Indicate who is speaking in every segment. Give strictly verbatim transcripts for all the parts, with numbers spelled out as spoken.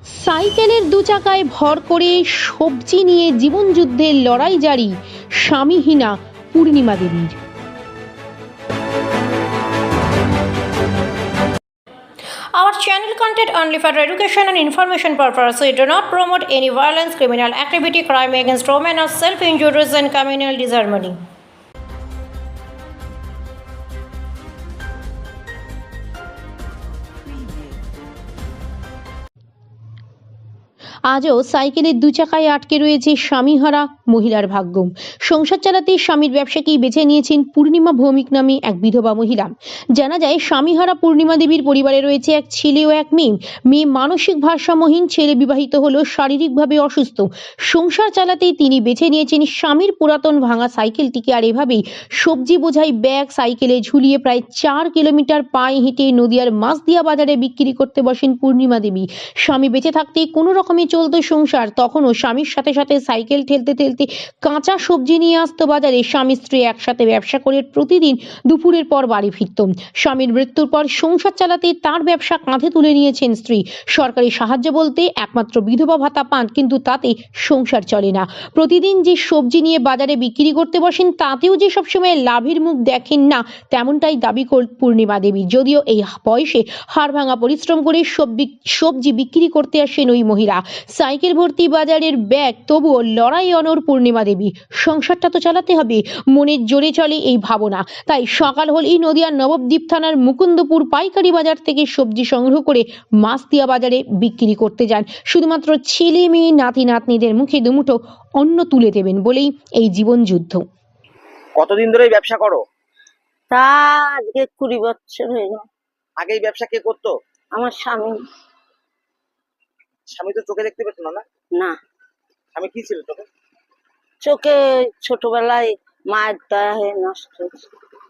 Speaker 1: সাইকেলের দু চাকায় ভর করে সবজি নিয়ে জীবনযুদ্ধের লড়াই জারি স্বামীহীনা পূর্ণিমা দেবীর।
Speaker 2: Our channel content only for education and information purposes. We do not promote any violence, criminal activity, crime against women, or self-injuries and communal disharmony.
Speaker 1: আজও সাইকেলের দু চাকায় আটকে রয়েছে স্বামীহারা মহিলার ভাগ্য। সংসার চালাতে স্বামীর ব্যবসাকেই বেছে নিয়েছেন পূর্ণিমা ভৌমিক নামে এক বিধবা মহিলা। জানা যায় স্বামীহারা পূর্ণিমা দেবীর পরিবারে রয়েছে এক ছেলে ও এক মেয়ে। মেয়ে মানসিক ভারসাম্যহীন, ছেলে বিবাহিত হলেও শারীরিকভাবে অসুস্থ। সংসার চালাতেই তিনি বেছে নিয়েছেন স্বামীর পুরাতন ভাঙা সাইকেলটিকে। আর এভাবেই সবজি বোঝাই ব্যাগ সাইকেলে ঝুলিয়ে প্রায় চার কিলোমিটার পায়ে হেঁটে নদিয়ার মাছদিয়া বাজারে বিক্রি করতে বসেন পূর্ণিমা দেবী। স্বামী বেঁচে থাকতে কোনো রকমে চলতো সংসার। তখনও স্বামীর সাথে সাথে সাইকেল ঠেলতে ঠেলতে কাঁচা সবজি নিয়ে আসতো বাজারে। স্বামী স্ত্রী একসাথে ব্যবসা করে প্রতিদিন দুপুরের পর বাড়ি ফিরত। স্বামীর মৃত্যুর পর সংসার চালাতে তার ব্যবসা কাঁধে তুলে নিয়েছেন স্ত্রী। সরকারি সাহায্য বলতে একমাত্র বিধবা ভাতা পান, কিন্তু তাতে সংসার চলে না। প্রতিদিন যে সবজি নিয়ে বাজারে বিক্রি করতে বসেন তাতেও যে সবসময় লাভের মুখ দেখেন না, তেমনটাই দাবি করেন পূর্ণিমা দেবী। যদিও এই বয়সে হাড় ভাঙা পরিশ্রম করে সবজি বিক্রি করতে আসেন ওই মহিলা। সাইকেল ভর্তি বাজারের ব্যাগ, তবুও লড়াই অনড় পূর্ণিমা দেবী। সংসারটা তো চালাতে হবে, মনের জোরে চলে এই ভাবনা। তাই সকাল হলেই নদিয়ার নবদ্বীপ থানার মুকুন্দপুর পাইকারি বাজার থেকে সবজি সংগ্রহ করে মাছদিয়া বাজারে বিক্রি করতে যান। শুধুমাত্র ছেলে মেয়ে নাতি নাতনিদের মুখে দুমুঠো অন্ন তুলে দেবেন বলেই এই জীবন যুদ্ধ।
Speaker 3: কতদিন ধরে এই ব্যবসা করো?
Speaker 4: তা আজকে কুড়ি বছর হয়ে গেল।
Speaker 3: আগে এই ব্যবসা কে করতো?
Speaker 4: আমার স্বামী।
Speaker 3: স্বামী তো চোখে দেখতে পেত না? না
Speaker 4: না,
Speaker 3: স্বামী কি ছিল চোখে?
Speaker 4: চোখে ছোটবেলায় মায়ের দয়া হয়ে নষ্ট হয়েছে।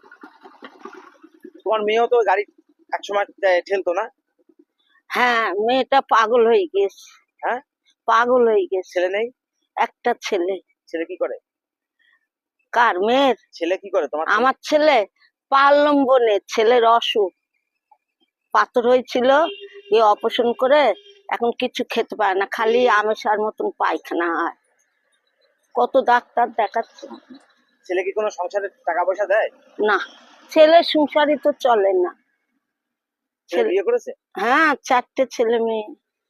Speaker 3: তোমার মেয়েও তো গাড়ি একসময় ঠেলতো না?
Speaker 4: হ্যাঁ, মেয়েটা পাগল হয়ে গেছে।
Speaker 3: হ্যাঁ,
Speaker 4: পাগল হয়ে গেছে।
Speaker 3: ছেলে নেই?
Speaker 4: একটা ছেলে।
Speaker 3: ছেলে কি করে?
Speaker 4: কার? মেয়ের।
Speaker 3: ছেলে কি করে তোমার?
Speaker 4: আমার ছেলে পালম্বনে, ছেলের অসুখ, পাথর হয়েছিল, এ অপারেশন করে এখন কিছু খেতে পারে না, খালি আমেশার মতন পায়খানা হয়। কত ডাক্তার দেখাচ্ছে।
Speaker 3: ছেলে কি কোনো সংসারে টাকা পয়সা দেয়?
Speaker 4: না, ছেলে সংসারই তো চলে না।
Speaker 3: ছেলে বিয়ে করেছে?
Speaker 4: হ্যাঁ, চারটে ছেলে মেয়ে।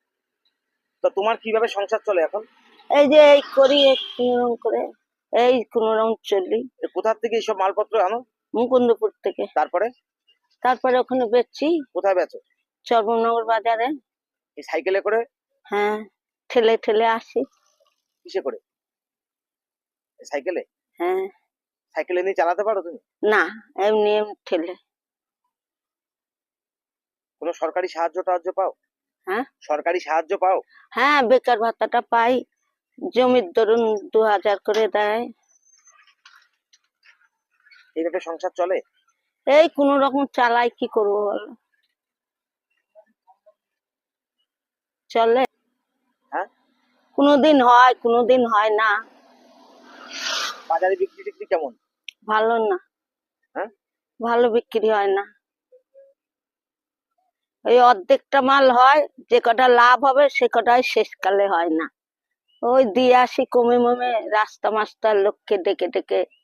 Speaker 3: তো তোমার কিভাবে সংসার চলে এখন?
Speaker 4: এই যে এই করি কোনরকম করে, এই কোনরকম চলি।
Speaker 3: কোথা থেকে এইসব মালপত্র আনো?
Speaker 4: মুকুন্দপুর থেকে।
Speaker 3: তারপরে?
Speaker 4: তারপরে ওখানে বেচছি।
Speaker 3: কোথায় বেচো?
Speaker 4: চর্মনগর বাজারে।
Speaker 3: এই সাইকেলে করে?
Speaker 4: হ্যাঁ, ঠেলে ঠেলে আসি।
Speaker 3: কিসে করে? সাইকেলে?
Speaker 4: হ্যাঁ।
Speaker 3: সাইকেলে নিয়ে চালাতে পারো তুমি?
Speaker 4: না, এমনি এমনি ঠেলে।
Speaker 3: কোনো সরকারি সাহায্য টাহায্য পাও?
Speaker 4: হ্যাঁ,
Speaker 3: সরকারি সাহায্য পাও?
Speaker 4: হ্যাঁ, বেকার ভাতাটা পাই। জমির ধরুন দু হাজার করে দেয়।
Speaker 3: এইভাবে সংসার চলে?
Speaker 4: এই কোন রকম চালাই, কি করবো বলো? চলে।
Speaker 3: হ্যাঁ,
Speaker 4: কোনোদিন হয়, কোনোদিন হয় না।
Speaker 3: বাজারে বিক্রি টিক্রি কেমন?
Speaker 4: ভালো না।
Speaker 3: হ্যাঁ,
Speaker 4: ভালো বিক্রি হয় না। ওই অর্ধেকটা মাল হয়, যে কটা লাভ হবে সে কটাই শেষকালে হয় না। ওই দিয়ে আসি কমে মমে, রাস্তা মাস্টার লোককে ডেকে ডেকে